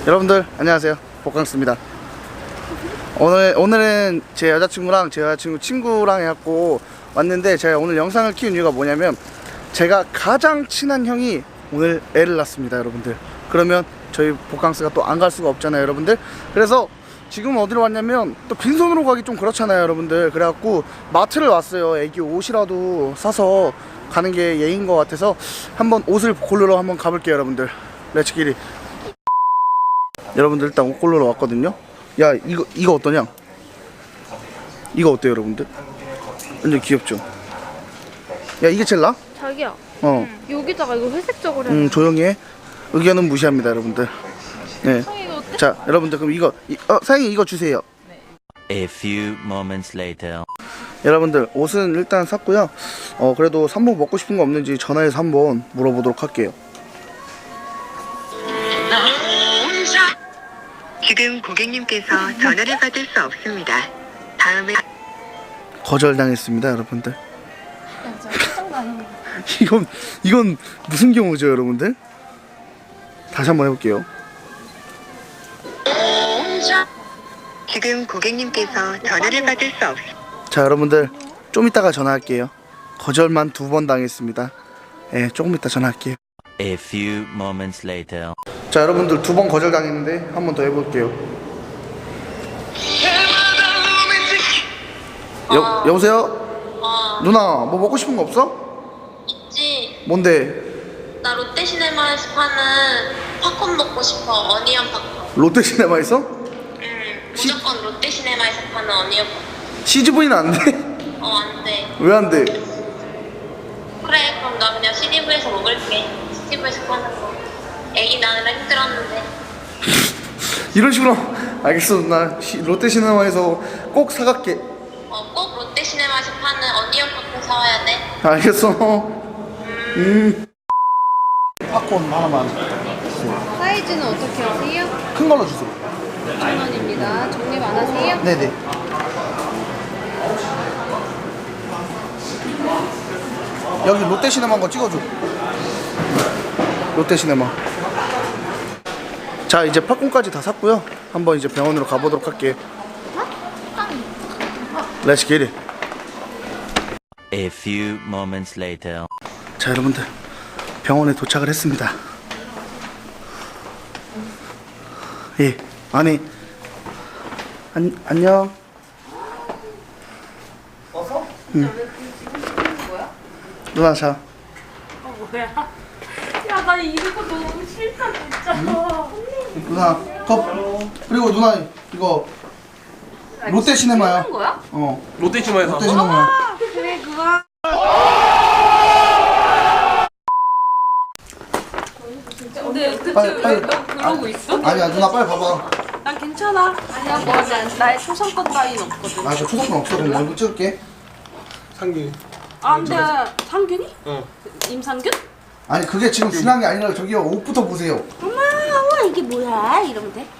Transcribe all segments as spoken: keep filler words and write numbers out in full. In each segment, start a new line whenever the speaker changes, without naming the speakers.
여러분들 안녕하세요, 복강스입니다. 오늘, 오늘은 제 여자친구랑 제 여자친구 친구랑 해갖고 왔는데, 제가 오늘 영상을 키운 이유가 뭐냐면 제가 가장 친한 형이 오늘 애를 낳습니다. 여러분들, 그러면 저희 복강스가 또 안 갈 수가 없잖아요 여러분들. 그래서 지금 어디로 왔냐면, 또 빈손으로 가기 좀 그렇잖아요 여러분들. 그래갖고 마트를 왔어요. 애기 옷이라도 사서 가는 게 예인 것 같아서 한번 옷을 고르러 한번 가볼게요 여러분들. 렛츠기리. 여러분들 일단 옷 고르러 왔거든요. 야, 이거 이거 어떠냐? 이거 어때요 여러분들? 완전 귀엽죠? 야, 이게 제일 나아?
자기야,
어.
응. 여기다가 이거 회색적으로
음, 조용히 해. 의견은 무시합니다 여러분들. 네.
상이 이거 어때?
자, 여러분들 그럼 이거 이, 어, 사장님 이거 주세요.
A few moments later.
여러분들 옷은 일단 샀고요. 어, 그래도 삼복 먹고 싶은 거 없는지 전화해서 한번 물어보도록 할게요.
지금 고객님께서 전화를 받을 수 없습니다. 다음에
거절당했습니다 여러분들. 이건 이건 무슨 경우죠 여러분들? 다시 한번 해볼게요.
지금 고객님께서 전화를 받을 수 없습니다.
자, 여러분들 좀 이따가 전화할게요. 거절만 두 번 당했습니다. 예, 네, 조금 이따 전화할게요.
A few moments later.
자, 여러분들 두 번 거절 당했는데 한 번 더 해볼게요. 여,
어.
여보세요?
어,
누나 뭐 먹고 싶은 거 없어?
있지.
뭔데?
나 롯데시네마에서 파는 팝콘 먹고 싶어. 어니언 팝콘.
롯데시네마에서?
응. 무조건 롯데시네마에서 파는 어니언 팝콘.
씨지브이는 안 돼?
어, 안 돼.
왜 안 돼?
그래, 그럼 나 그냥 씨지브이에서 먹을게. 씨지브이에서 파는 거. 애기 낳느라 힘들었는데.
이런 식으로. 알겠어 누나. 시, 롯데시네마에서 꼭 사갈게.
어, 꼭 롯데시네마에서 파는 어니언 팝콘 사와야 돼.
알겠어. 음. 팝콘 하나만.
사이즈는 어떻게 하세요?
큰 걸로 주세요.
천 원입니다. 정립 안 하세요?
네네. 여기 롯데시네마 한번 찍어줘. 롯데시네마. 자, 이제 팝콘까지 다 샀고요. 한번 이제 병원으로 가보도록 할게요. Let's get it.
A few moments later.
자, 여러분들 병원에 도착을 했습니다. 예, 아니 안, 안녕. 어서? 응. 누나 자.
어, 뭐야? 야, 나 이거 너무 싫다 진짜.
응? 누나 컵. 그리고 누나 이거 롯데시네마야.
하는 거야?
어.
롯데시네마에서
롯데시네마야.
그래, 그거. 근데 그치
빨리, 빨리.
왜 너 그러고 있어?
아니야 누나 빨리 봐봐.
난 괜찮아. 아니야, 뭐 나의 초상권 따위는 없거든.
아, 저 초상권 없어. 그럼 얼굴 찍을게.
상균이.
아, 근데 상균이?
응.
임상균?
아니 그게 지금 중요한 게 아니라 저기요 옷부터 보세요.
엄마, 엄마 이게 뭐야? 이러면 돼?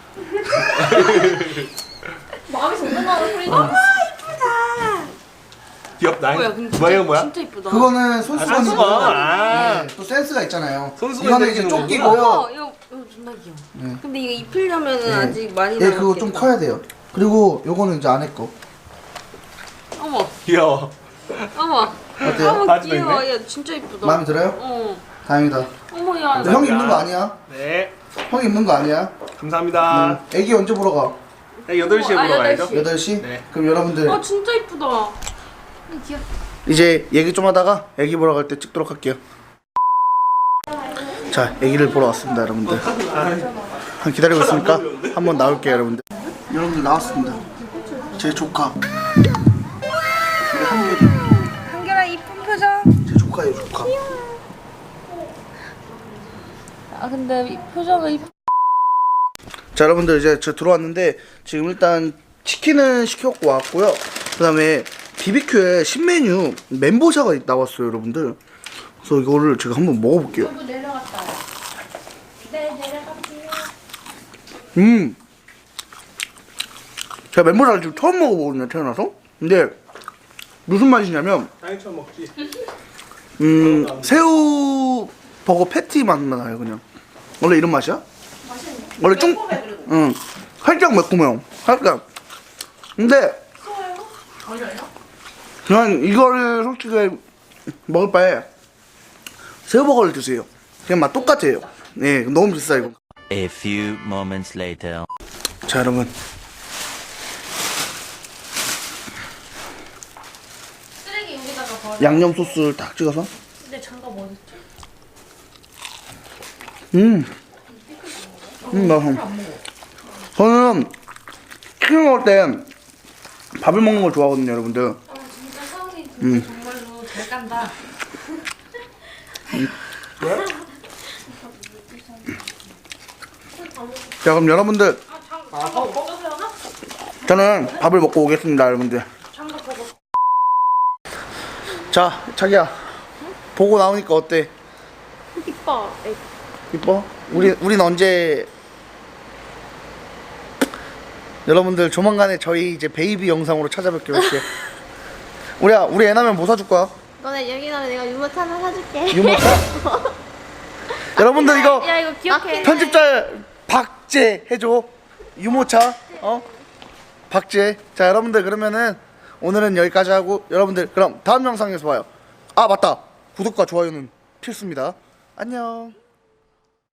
마음에서 올라가는 소리. 엄마 이쁘다.
귀엽다.
뭐야, 근데 진짜,
뭐야, 뭐야?
진짜 이쁘다.
그거는 손수건이고.
손수건. 아.
네, 또 센스가 있잖아요.
손수건
이거는 이제
생기는
조끼고요.
어, 이거 이거 존나 귀여워.
네.
근데 이거 입히려면은
네.
아직 많이
예,
남았겠다.
그거 좀 커야 돼요. 그리고 요거는 이제 안에 거.
어머,
귀여워.
어머.
어때요?
어머
바지도
귀여워.
있네?
야 진짜 이쁘다.
마음에 들어요?
어.
다행이다.
어머 야.
근데 형이 입는 거 아니야?
네.
형이 입는 거 아니야?
감사합니다.
음, 애기 언제 보러 가?
네, 여덟 시에
아,
보러
여덟
가야죠.
시.
여덟 시?
네.
그럼 여러분들
아 진짜 이쁘다. 귀여워.
이제 얘기 좀 하다가 애기 보러 갈 때 찍도록 할게요. 자, 애기를 보러 왔습니다 여러분들. 한 기다리고 있으니까 한번 나올게요 여러분들. 여러분들 나왔습니다. 제 조카. 우리 한결이.
한결아 이쁜 표정.
제 조카예요 조카.
아 근데 이 표정이 이쁘.
자, 여러분들 이제 저 들어왔는데 지금 일단 치킨은 시켜갖고 왔고요. 그 다음에 비비큐에 신메뉴 멘보샤가 나왔어요 여러분들. 그래서 이거를 제가 한번 먹어볼게요.
여보 내려갔다. 네 내려갈게요.
음, 제가 멘보샤를 지금 처음 먹어보거든요 태어나서. 근데 무슨 맛이냐면
당연히 먹지.
음 새우 버거 패티 맛만 나요 그냥. 원래 이런 맛이야?
맛있네.
원래 좀, 응, 살짝 매콤해요. 살짝. 근데 그냥 이거를 솔직히 먹을 바에 새우버거를 드세요. 그냥 맛 똑같아요. 네, 너무 비싸 이거.
A few moments later.
자 여러분,
쓰레기 여기다가 버려.
양념 소스를 딱 찍어서.
근데 장갑 어딨지?
음, 음 맛있어. 저는 치킨 먹을 때 밥을 먹는 걸 좋아하거든요, 여러분들.
아 진짜 서울이 진짜 정말로 잘 간다.
자 그럼 여러분들,
아 장갑 먹으세요 나?
저는 밥을 먹고 오겠습니다, 여러분들.
장갑 먹어.
자 자기야, 보고 나오니까 어때?
이뻐.
이뻐? 우리 우린 언제? 여러분들 조만간에 저희 이제 베이비 영상으로 찾아뵙기로 할게. 우리야, 우리 애 나면 뭐 사줄 거야?
너네 여기 나면 내가 유모차 하나 사줄게.
유모차? 여러분들 이거
야 이거 기억해.
편집자 박제 해줘. 유모차. 어? 박제. 자 여러분들 그러면은 오늘은 여기까지 하고, 여러분들 그럼 다음 영상에서 봐요. 아 맞다, 구독과 좋아요는 필수입니다. 안녕.